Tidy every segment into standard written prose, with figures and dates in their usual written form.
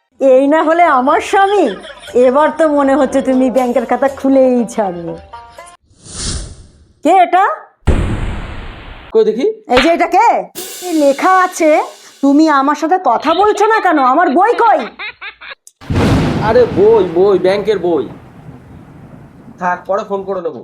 এই না হলে আমার স্বামী, এবার তো মনে হচ্ছে তুমি ব্যাংকের খাতা খুলেই ছাড়বে। কে এটা? কই দেখি। এই যে এটা কে? এই লেখা আছে, তুমি আমার সাথে কথা বলছো না কেন? আমার বই কই? আরে বই বই, ব্যাংকের বই। থাক, পরে ফোন করে নেবো।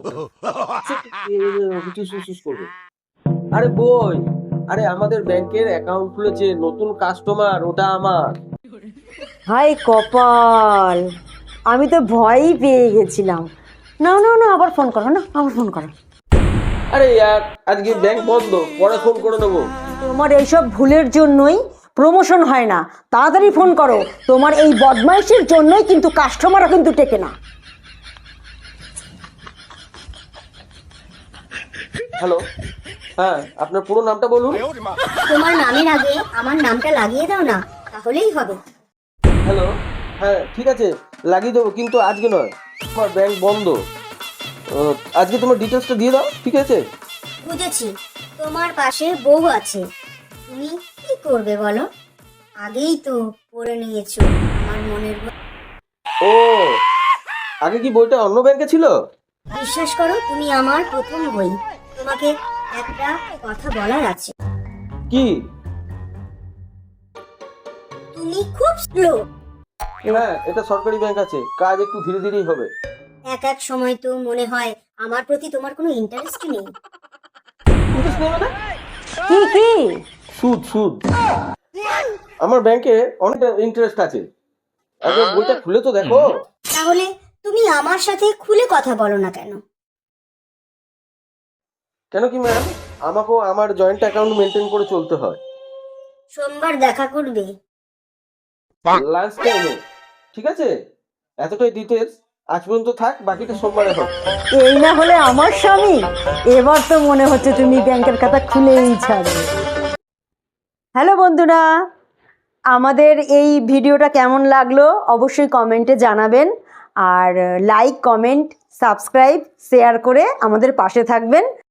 করবে। আরে বই, আরে আমাদের ব্যাংকের অ্যাকাউন্ট খুলেছে নতুন কাস্টমার, ওটা আমার। হাই কপাল, আমি তো ভয়ই পেয়ে গেছিলাম। না না না, আবার ফোন করো, না আবার ফোন করো। আরে ইয়ার, আজকে ব্যাংক বন্ধ, পরে ফোন করে নেবো। তোমার এইসব ভুলের জন্যই প্রমোশন হয় না, তাড়াতাড়ি ফোন করো। তোমার এই বদমাইশির জন্যই কিন্তু কাস্টমারও কিন্তু টেকে না। হ্যালো, হ্যাঁ, আপনার পুরো নামটা বলুন। তোমার নামের আগে আমার নামটা লাগিয়ে দাও না, তাহলেই হবে। হ্যালো, হ্যাঁ ঠিক আছে, লাগিয়ে দেবো, কিন্তু আজকে নয়, আমার ব্যাংক বন্ধ। আজকে তোমার ডিটেলসটা দিয়ে দাও, ঠিক আছে? বুঝেছি, তোমার পাশে বউ আছে, তুমি কি করবে বলো? আগেই তো পড়ে নিয়েছো আমার মনের বই। ও, আগে কি বইটা অন্য ব্যাংকে ছিল? বিশ্বাস করো, তুমি আমার প্রথম বই। তোমাকে একটা কথা বলার আছে। কি? তুমি খুব স্লো। হ্যাঁ, এটা সরকারি ব্যাংক আছে, কাজ একটু ধীরে ধীরেই হবে। এক এক সময় তো মনে হয় আমার প্রতি তোমার কোনো ইন্টারেস্ট নেই। ইন্টারেস্ট নেই মানে? কি কি? সুদ সুদ। আমার ব্যাংকে অনেক ইন্টারেস্ট আছে। আগে বইটা খুলে তো দেখো। তাহলে তুমি আমার সাথে খুলে কথা বলো না কেন? কেন কি ম্যাম, আমাকেও আমার জয়েন্ট অ্যাকাউন্ট মেনটেন করে চলতে হয়। সোমবার দেখা করবে। লাঞ্চ টাইমে, ঠিক আছে? এতটাই ডিটেলস আজ পর্যন্ত থাক, বাকিটা সোমবারে হোক। এই না হলে আমার স্বামী, এবার তো মনে হচ্ছে তুমি ব্যাংকের খাতা খুলেই ছাড়বে। হ্যালো বন্ধুরা, আমাদের এই ভিডিওটা কেমন লাগলো অবশ্যই কমেন্টে জানাবেন। আর লাইক, কমেন্ট, সাবস্ক্রাইব, শেয়ার করে আমাদের পাশে থাকবেন।